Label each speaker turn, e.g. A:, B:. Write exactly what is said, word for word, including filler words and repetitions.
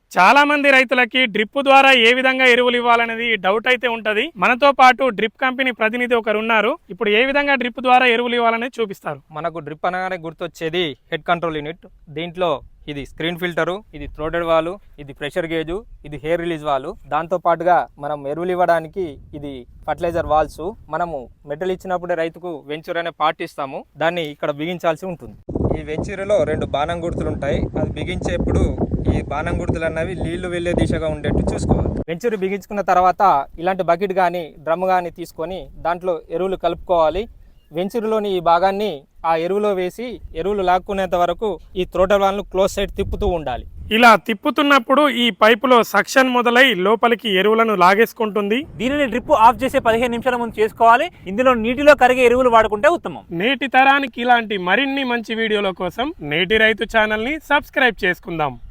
A: చాలా మంది రైతులకి డ్రిప్ ద్వారా ఏ విధంగా ఎరువులు ఇవ్వాలనేది డౌట్ అయితే ఉంటది. మనతో పాటు డ్రిప్ కంపెనీ ప్రతినిధి ఒకరు ఉన్నారు. ఇప్పుడు ఏ విధంగా డ్రిప్ ద్వారా ఎరువులు ఇవ్వాలనేది చూపిస్తారు.
B: మనకు డ్రిప్ అనగానే గుర్తొచ్చేది హెడ్ కంట్రోల్ యూనిట్. దీంట్లో ఇది స్క్రీన్ ఫిల్టరు, ఇది థ్రోటెడ్ వాలు, ఇది ప్రెషర్ గేజు, ఇది హెయిర్ రిలీజ్ వాలు. దాంతో పాటుగా మనం ఎరువులు ఇవ్వడానికి ఇది ఫర్టిలైజర్ వాల్స్. మనము మెటల్ ఇచ్చినప్పుడే రైతుకు వెంచూర్ అనే పార్ట్ ఇస్తాము, దాన్ని ఇక్కడ బిగించాల్సి ఉంటుంది. ఈ వెంచూరులో రెండు బాణం గుర్తులు ఉంటాయి. అది బిగించేప్పుడు ఈ బాణం గుర్తులు అన్నవి నీళ్లు వెళ్లే దిశగా ఉండేట్టు చూసుకోవాలి. వెంచూరు బిగించుకున్న తర్వాత ఇలాంటి బకెట్ కానీ డ్రమ్ కానీ తీసుకొని దాంట్లో ఎరువులు కలుపుకోవాలి. వెంచూరులోని ఈ భాగాన్ని ఆ ఎరువులో వేసి ఎరువులు లాక్కునేంత వరకు ఈ థ్రోటల్ వాల్ను క్లోజ్ సైడ్ తిప్పుతూ ఉండాలి.
A: ఇలా తిప్పుతున్నప్పుడు ఈ పైపులో సక్షన్ మొదలై లోపలికి ఎరువులను లాగేసుకుంటుంది.
C: దీనిని డ్రిప్ ఆఫ్ చేసే పదిహేను నిమిషాల ముందు చేసుకోవాలి. ఇందులో నీటిలో కరిగే ఎరువులు వాడుకుంటే ఉత్తమం.
A: నేటి తరానికి ఇలాంటి మరిన్ని మంచి వీడియోల కోసం నేటి రైతు ఛానల్ ని సబ్స్క్రైబ్ చేసుకుందాం.